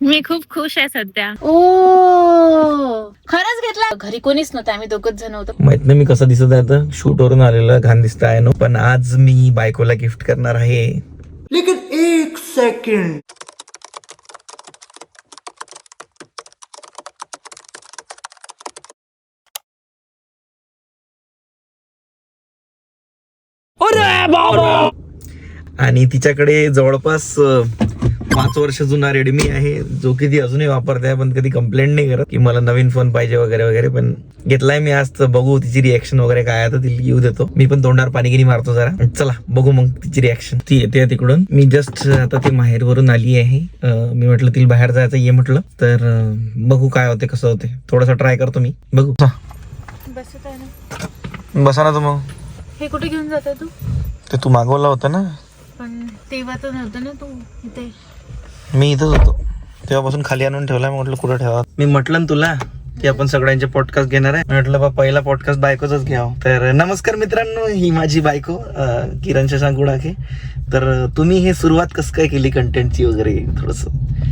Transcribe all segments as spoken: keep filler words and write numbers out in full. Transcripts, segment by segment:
मी खूप खुश आहे सध्या. ओ खरंच घेतला. घरी कोणीच नव्हतं, आम्ही दोघच जण होतो. माहित नाही मी कसं दिसत आहे आता, शूट वरून आलेलं घाण दिसत आहे नो, पण आज मी बायकोला गिफ्ट करणार आहे. लेकिन एक सेकंड, आणि तिच्याकडे जवळपास अं, पाच वर्ष जुना रेडमी आहे, जो की ती अजूनही वापरते आहे, पण कधी कंप्लेंट नाही करत की मला नवीन फोन पाहिजे वगैरे वगैरे. पण घेतलाय मी आज, तर बघू तिची रिएक्शन वगैरे काय आहे, तर तिला येऊ देतो. मी पण तोंडावर पाणी गिनी मारतो जरा. चला बघू मग तिची रिएक्शन. ती येते तिकडून. मी जस्ट आता ती माहेरवरून आली आहे. अं, मी म्हटलं तिला बाहेर जायचं ये म्हटलं, तर अं, बघू काय होते कसं होते. थोडासा ट्राय करतो मी, बघू. बसत आहे ना. बसा ना तू. मग हे कुठे घेऊन जाते तू? ते तू मागवला होता ना. पण तेव्हा तर नव्हतं ना तू इथे. मी इथंच होतो तेव्हापासून, खाली आणून ठेवलाय. म्हटलं कुठं ठेवा. मी म्हटलं ना तुला की आपण सगळ्यांचे पॉडकास्ट घेणार आहे. म्हटलं बा पहिला पॉडकास्ट बायकोचाच घ्यावं. तर नमस्कार मित्रांनो, ही माझी बायको अं, किरण शशांक गुडाखे. तर तुम्ही हे सुरुवात कसं काय केली कंटेंटची वगैरे, थोडस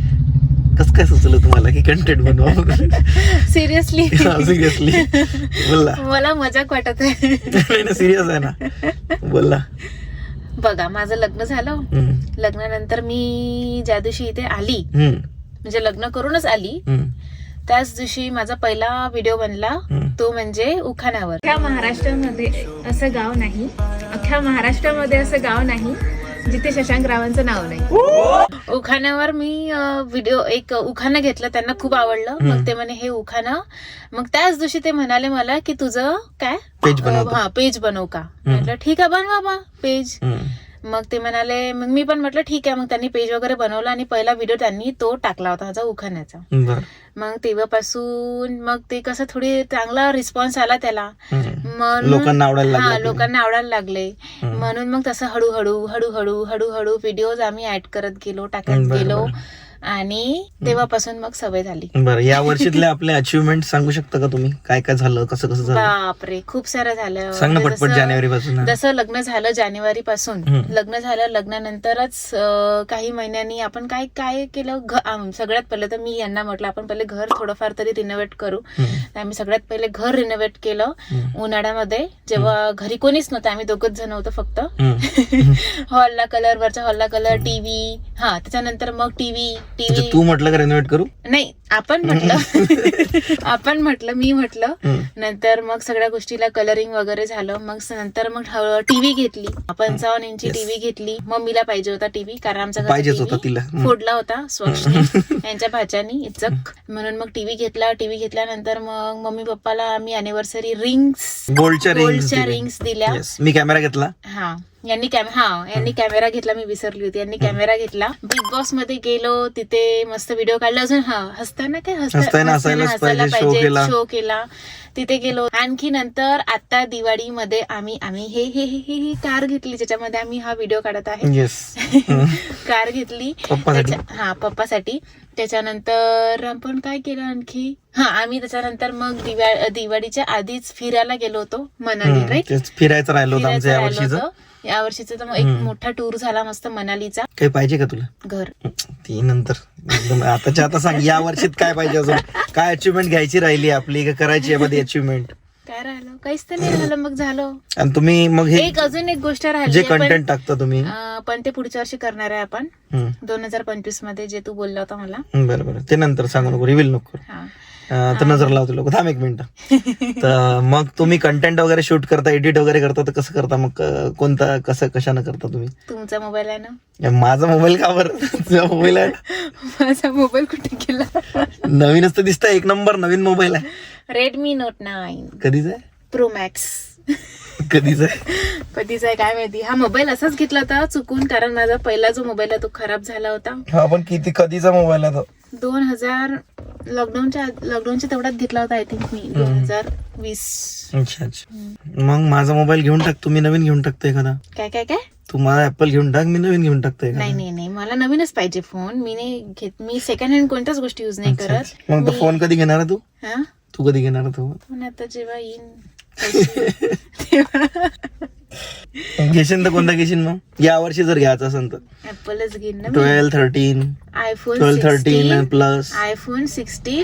कसं काय सुचलं तुम्हाला की कंटेंट बनवा? सिरियसली सिरियसली बोलला. मला मजाक वाटत आहे. नाही ना, सिरियस आहे ना, बोलला. बघा माझं लग्न झालं. हम्म, लग्नानंतर मी ज्या दिवशी इथे आली, हम्म, म्हणजे लग्न करूनच आली, हम्म, त्याच दिवशी माझा पहिला व्हिडिओ बनला. हम्म. तो म्हणजे उखाण्यावर. अख्ख्या महाराष्ट्रामध्ये असं गाव नाही, अख्ख्या महाराष्ट्रामध्ये असं गाव नाही जिथे शशांक रावांचं नाव नाही. उखाण्यावर मी व्हिडिओ एक उखाणं घेतलं, त्यांना खूप आवडलं. मग ते म्हणे हे उखाणं. मग त्याच दिवशी ते म्हणाले मला की तुझं काय पेज बनवतो. हा पेज बनवू का? म्हटलं ठीक आहे बनवा बा पेज. हम्म. मग ते म्हणाले, मग मी पण म्हटलं ठीक आहे. मग त्यांनी पेज वगैरे बनवला आणि पहिला व्हिडिओ त्यांनी तो टाकला होता माझा उखाण्याचा. बरं. मग तेव्हापासून मग ते कसं थोडी चांगला रिस्पॉन्स आला त्याला. हम्म. म्हणून लोकांना आवडायला हा लागलं. लोकांना आवडायला लागले. म्हणून मग तसं हळूहळू हळूहळू हळूहळू व्हिडिओज आम्ही ऍड करत गेलो, टाकत बरं, गेलो. बरं. आणि तेव्हापासून मग सवय झाली. बरं, या वर्षीतले आपले अचिव्हमेंट सांगू शकता का तुम्ही? काय काय झालं, कसं कसं झालं? बापरे खूप सारं झालं. सांग ना म्हणजे पटपट. जसं- जानेवारी पासून. जसं लग्न झालं जानेवारी पासून, हम्म. लग्न झालं लग्नानंतरच अं, काही महिन्यांनी आपण काय काय केलं. घ- आम- सगळ्यात पहिले तर मी यांना म्हटलं आपण पहिले घर थोडंफार तरी रिनोव्हेट करू. तर आम्ही सगळ्यात पहिले घर रिनोव्हेट केलं उन्हाळ्यामध्ये, जेव्हा घरी कोणीच नव्हतं, आम्ही दोघच जण होतो फक्त. हॉलला कलर, वरच्या हॉलला कलर, टीव्ही. हा त्याच्यानंतर मग टीव्ही टीव्ही तू म्हटलं का रेनोव्हेट करू? नाही आपण म्हटलं आपण म्हटलं मी म्हटलं. नंतर मग सगळ्या गोष्टीला कलरिंग वगैरे झालं. मग नंतर मग टीव्ही घेतली, पंचावन्न इंची टीव्ही घेतली. मम्मीला पाहिजे होता टीव्ही, कारण आमचा पाहिजेच होता तिला. फोडला होता स्वच्छने यांच्या भाच्यानी इचक. म्हणून मग टीव्ही घेतला. टीव्ही घेतल्यानंतर मग मम्मी पप्पाला आम्ही अॅनिव्हर्सरी रिंग्स, गोल्डच्या गोल्डच्या रिंग्स रिंग्स दिल्या. मी कॅमेरा घेतला. हा यांनी कॅमेरा हा यांनी कॅमेरा घेतला, मी विसरली होती. यांनी कॅमेरा घेतला. बिग बॉस मध्ये गेलो, तिथे मस्त व्हिडिओ काढला. अजून हा हसताना काय हसताना हसायलाच पाहिजे, शो केला. शो केला तिथे गेलो. आणखी नंतर आता दिवाळीमध्ये आम्ही आम्ही हे हे हे हे हे कार घेतली, ज्याच्यामध्ये आम्ही हा व्हिडिओ काढत आहे. येस. कार घेतली पप्पासाठी. त्याच्या- हा पप्पासाठी. त्याच्यानंतर आपण काय केलं आणखी, हा आम्ही त्याच्यानंतर मग दिवाळी दिवाळीच्या आधीच फिरायला गेलो होतो मनाली. राईट, फिरायचं राहिलं होतं आमचं या फिरायचं राहिलं वर्षीचं. होतं. या वर्षीचा तर मग एक मोठा टूर झाला मस्त मनालीचा. काही पाहिजे का तुला? घर ती नंतर एकदम आताच्या आता सांग, या वर्षीत काय पाहिजे अजून? काय अचिव्हमेंट घ्यायची राहिली आपली, का करायची आहे अचिव्हमेंट? काय राहिलं, काहीच तर नाही राहिलं. मग झालं. आणि तुम्ही मग हे एक अजून एक गोष्ट राहिली जे आहे, पण- कंटेंट टाकता तुम्ही. अं, पण ते पुढच्या वर्षी करणार आहे आपण, हम्म. दोन हजार पंचवीस मध्ये, जे तू बोलला होता मला. बरं बरं, ते नंतर सांगू नको, रिव्हील नको करू. हा अं, तर नजर लावते लोक. थांब एक मिनिट. तर मग तुम्ही कंटेंट वगैरे शूट करता, एडिट वगैरे करता, तर कसं करता मग? अं, कोणता कसं कशानं करता तुम्ही? तुमचा मोबाईल आहे ना? माझा मोबाईल का बरं? तुझा मोबाईल आहे ना? माझा मोबाईल कुठे गेला? नवीनच तर दिसतंय, एक नंबर नवीन मोबाईल आहे. रेडमी नोट नाईन कधीच आहे? Pro max. कधीच आहे? कधीच आहे काय माहिती. हा मोबाईल असाच घेतला होता चुकून, कारण माझा पहिला जो मोबाईल आहे तो खराब झाला होता. हा पण किती कधीचा मोबाईल आहे तो? दोन हजार लॉकडाऊनच्या लॉकडाऊनच्या तेवढ्यात घेतला होता आय थिंक मी, दोन हजार वीस. अच्छा अच्छा. मग माझा मोबाईल घेऊन टाक, तुम्ही नवीन घेऊन टाकतो एखादा. काय काय काय तू माझा ऍपल घेऊन टाक, मी नवीन घेऊन टाकतो नाही एखादा. नाही नाही, मला नवीनच पाहिजे फोन. मी नाही घेत, मी सेकंड हँड कोणत्याच गोष्टी युज नाही अच्छा, करत. अच्छा. मग तो मी- फोन कधी घेणार आहे तू? हा तू कधी घेणार आहे तो? पण आता जेव्हा येईन पैसे, तेव्हा घेशील तर कोणता घेशील मग या वर्षी जर घ्यायचं असेल तर ऍपलच घेईन ना twelve thirteen iPhone twelve thirteen plus iPhone sixteen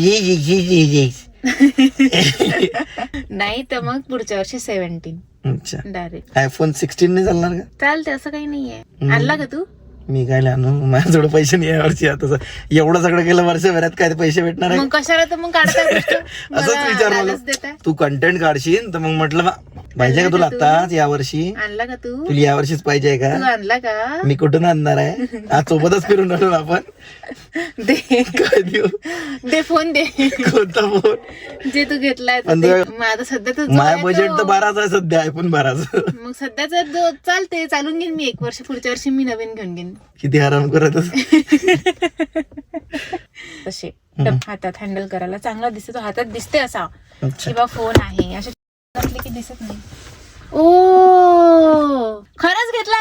नाही तर मग पुढच्या वर्षी सेव्हन्टीन अच्छा डायरेक्ट. आयफोन सिक्स्टीन नाही चालणार का? चालते असं काही नाहीये. आणला का तू? मी काय आणू माझ्याजवळ पैसे नाही या वर्षी. आता एवढं सगळं केलं वर्षभरात काय ते पैसे भेटणार आहे मग कशाला तर मग काढता गोष्ट? असंच मला विचार लालच मला देताय. तू कंटेंट काढशील तर मग म्हटलं बा पाहिजे का तुला आणला का आताच या वर्षी आणला का तू? तुला या वर्षीच पाहिजे तू का? आणला का? मी कुठून आणणार आहे आज सोबतच फिरून आलो ना आपण. दे काय देऊ दे फोन दे कोणता फोन जे तू घेतलाय ते. आणि मग आता सध्या तर जो माझ्या आहे बजेट तो. तर बाराच आहे सध्या आयफोन बाराच. मग सध्याचा जो चालते चालून घेईन मी एक वर्ष. पुढच्या वर्षी मी नवीन घेऊन घेईन किती आराम करत तसे टप हातात हँडल करायला चांगला दिसतो. हातात दिसते असा अच्छा किंवा फोन आहे असे असले की दिसत नाही. ओ खरंच घेतला?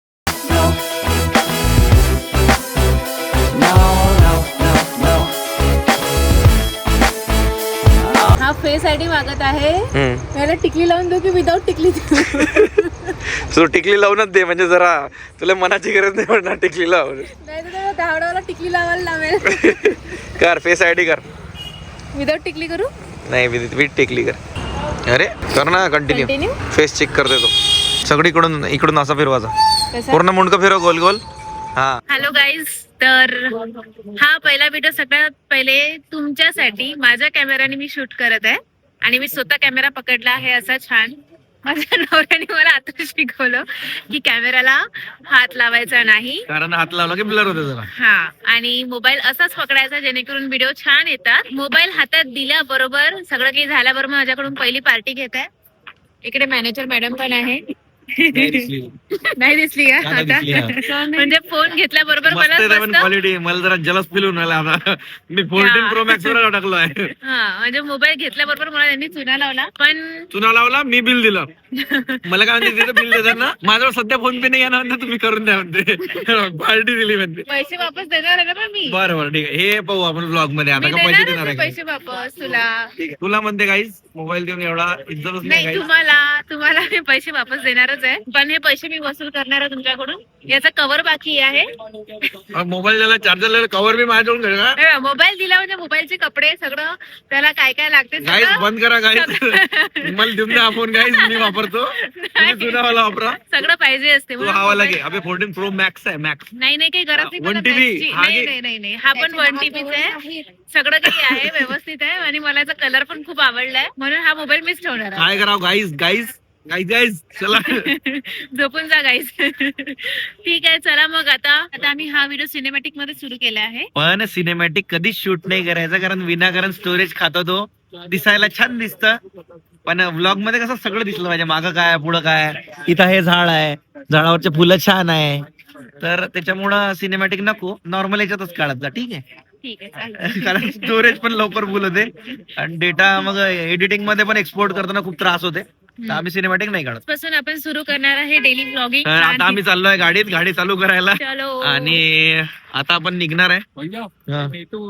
हा फेस आयडी मागत आहे. त्याला टिकली लावून देऊ की विदाऊट टिकली देऊ? सो टिकली लावूनच दे म्हणजे जरा तुला मनाची गरज नाही पडणार टिकली लावून. नाही तर धावडावाला टिकली लावायला लावेल. कर फेस आयडी कर. विदाऊट टिकली करू? नाही विथ विथ टिकली कर. अरे कर ना कंटिन्यू. कंटिन्यू फेस चेक करते तो सगळीकडून इकडून असा फिरवायचा पूर्ण मुंडकं फिरव गोल गोल. हा हॅलो गाईज, तर हा पहिला व्हिडिओ सगळ्यात पहिले तुमच्यासाठी माझ्या कॅमेराने मी शूट करत आहे आणि मी स्वतः कॅमेरा पकडला आहे असा छान. माझ्या नवऱ्याने मला आता शिकवलं की कॅमेराला हात लावायचा नाही, कारण हात लावला की ब्लर होते जरा. हा, आणि मोबाईल असाच पकडायचा जेणेकरून व्हिडिओ छान येतात. मोबाईल हातात दिल्याबरोबर सगळं काही झाल्याबरोबर माझ्याकडून पहिली पार्टी घेत आहे. इकडे मॅनेजर मॅडम पण आहे. नाही दिसली का आता? म्हणजे फोन घेतल्याबरोबर मला मस्त- क्वालिटी मला जरा जलस फील होऊन राहिला आता. मी फोर्टीन प्रो मॅक्स वर टाकलो आहे. हा, म्हणजे मोबाईल घेतल्याबरोबर मला त्यांनी चुना लावला. पण चुना लावला मी बिल दिलं. मला काय म्हणते तिथं बिल देतात ना, माझ्यावर सध्या फोन पे नाही येणार म्हणते तुम्ही करून द्या म्हणते. पार्टी दिली म्हणते. पैसे वापस देणार आहे ना पण मी. बरं बरं ठीक आहे हे पाहू आपण ब्लॉग मध्ये आता मी का पैसे देणारच देणार आहे आहे पैसे वापस तुला. ठीक आहे तुला म्हणते काहीच मोबाईल देऊन एवढा इज्जतच नाही नाही, काही. तुम्हाला तुम्हाला मी पैसे वापस देणारच आहे, पण हे पैसे मी वसूल करणार आहे तुमच्याकडून. याचा कव्हर बाकी आहे. मोबाईल द्यायला चार्जर कव्हर बी माझ्याकडून घे का हे बघ, मोबाईल दिला म्हणजे मोबाईलचे कपडे सगळं त्याला काय काय लागते गाईज सगळं बंद करा गाईज. मला देऊन द्या फोन गाईज मी वापरतो. तुम्ही जुना वाला वापरा. सगळं पाहिजे असते तू म्हणून हा वाला मोबाईल- घे. अबे फोर्टीन प्रो मॅक्स आहे मॅक्स. नाही नाही काही गरज नाही वन मला टी व्ही, मॅक्सची. हा नाही घे. नाही नाही नाही हा पण वन टीबीच आहे. सगळं काही आहे व्यवस्थित आहे आणि मला याचा कलर पण खूप आवडलाय म्हणून हा मोबाईल मीच ठेवणार आहे. काय करावं गाईज गाईज गाईज गाईज चला. झोपून जा गाईस. ठीक आहे, चला मग आता आता आम्ही हा व्हिडिओ सिनेमॅटिक मध्ये सुरू केला आहे. पण सिनेमॅटिक कधीच शूट नाही करायचं कारण विनाकारण स्टोरेज खातो तो. दिसायला छान दिसतं पण व्लॉग मध्ये कसं सगळं दिसलं पाहिजे. मागं काय पुढं काय. इथं हे झाड आहे झाडावरचे फुलं छान आहे तर त्याच्यामुळं सिनेमॅटिक नको नॉर्मल याच्यातच काढत जा. ठीक आहे ठीक आहे चालेल. कारण स्टोरेज पण लवकर फुल होते आणि डेटा मग एडिटिंग मध्ये पण एक्सपोर्ट करताना खूप त्रास होते तर आम्ही सिनेमॅटिक नाही काढत. पासून आपण सुरू करणार आहे डेली ब्लॉगिंग. तर आता आम्ही चाललोय गाडीत गाडी चालू करायला चलो. आणि आता आपण निघणार आहे. हाँ.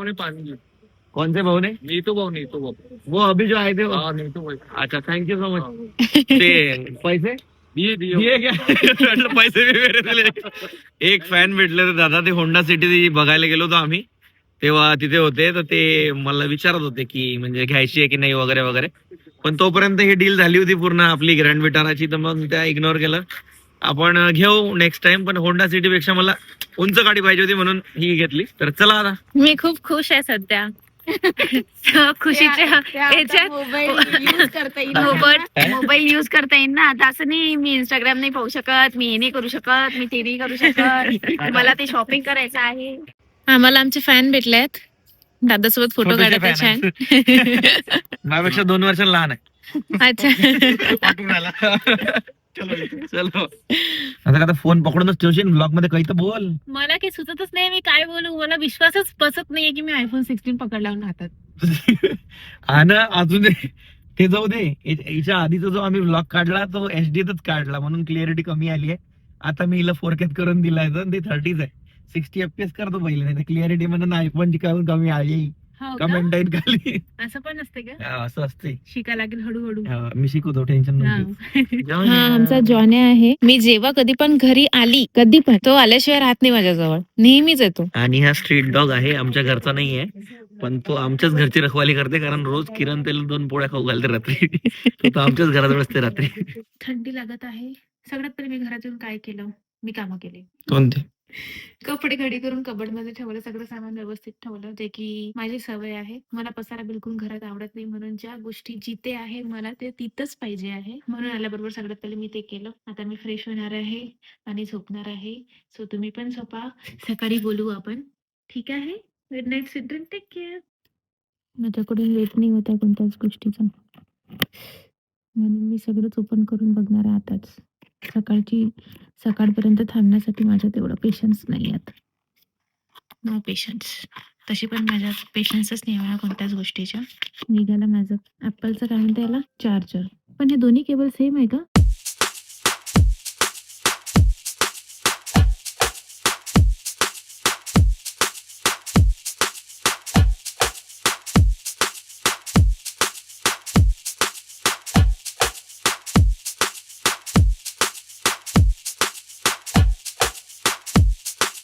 कौन से भाऊ ने नीतू भाऊ नीतू भाऊ वो अभी जो आए थे वो? हाँ नीतू भाई अच्छा थँक्यू सो मच. ते पैसे दिए दिए दिए क्या? म्हटलं पैसे बी वेगळे दिले. एक फॅन भेटले होते दादा ते होंडा सिटी बघायला गेलो होतो आम्ही तेव्हा तिथे होते तर ते मला विचारत होते की म्हणजे घ्यायची आहे की नाही वगैरे वगैरे पण तोपर्यंत ही डील झाली होती पूर्ण आपली ग्रँड विटाराची तर मग त्या इग्नोर केलं. आपण घेऊ नेक्स्ट टाइम पण होंडा सिटी पेक्षा मला उंच गाडी पाहिजे होती म्हणून ही घेतली. तर चला आता मी खूप खुश आहे सध्या. खुशीच्या याच्यात मोबाईल करता येईल. मोबाईल युज करता येईल ना. आता असं नाही मी इंस्टाग्राम नाही पाहू शकत, मी हे नाही करू शकत, मी ते नाही करू शकत. मला ते शॉपिंग करायचं आहे. आम्हाला आमचे फॅन भेटले आहेत. दादासोबत फोटो छोटेसे काढत fan छान. माझ्यापेक्षा दोन वर्ष लहान आहे. अच्छा. चलो आता आता फोन पकडूनच ठेवशील ब्लॉग मध्ये काही तर बोल. मला काही सुचतच नाही मी काय बोलू. मला विश्वासच बसत नाहीये की मी आयफोन सिक्स्टीन पकडला हातात. हा ना अजून ते जाऊ दे. याच्या आधीचा जो आम्ही ब्लॉग काढला तो एचडीतच काढला म्हणून क्लिअरिटी कमी आली आहे. आता मी हिला फोर केत करून दिलाय तर ते थर्टीच आहे. सिक्स्टी एफपीएस करतो पहिले नाही क्लिअरिटी म्हणून आयफोनची कमी कमी आली. हो का? कमेंट येईल खाली. असं पण असते का? हा, असं असते. शिका लागेल हळूहळू. हा, मी शिकवतो, टेन्शन हा. नको. हा आमचा जॉन आहे. मी जेव्हा कधी पण घरी आली कधी पण तो आल्याशिवाय राहत नाही माझ्याजवळ, नेहमीच येतो. आणि हा स्ट्रीट डॉग आहे, आमच्या घरचा नाही आहे, पण तो आमच्याच घरची रखवाली करते, कारण रोज किरण त्याला दोन पोळ्या खाऊ घालते रात्री. तो तो आमच्याच घराजवळ असते रात्री. थंडी लागत आहे. सगळ्यात पहिले मी घरातून काय केलं, मी कामं केले. कोणते? कपडे घडी करून कबड मध्ये ठेवलं, सगळं सामान व्यवस्थित ठेवलं, जे की माझी सवय आहे. मला पसारा बिलकुल घरात आवडत नाही, म्हणून ज्या गोष्टी जिथे आहे मला ते तिथंच पाहिजे आहे. म्हणून आल्याबरोबर सगळ्यात पहिले मी ते केलं. आता मी फ्रेश होणार आहे आणि झोपणार आहे. सो तुम्ही पण झोपा, सकाळी बोलू आपण. ठीक आहे? Good night, sweet dream, take care. माझ्याकडून वेट नाही होता कोणत्याच गोष्टीचा, म्हणून मी सगळंच ओपन करून बघणार आहे आताच. सकाळची सकाळपर्यंत थांबण्यासाठी माझ्या तेवढं पेशन्स नाही आहेत. No patience. तशी पण माझ्या पेशन्सच नाही आहे कोणत्याच गोष्टीच्या. निघालं माझं ॲपलचं काय म्हणते याला, चार्जर. पण हे दोन्ही केबल सेम आहे का?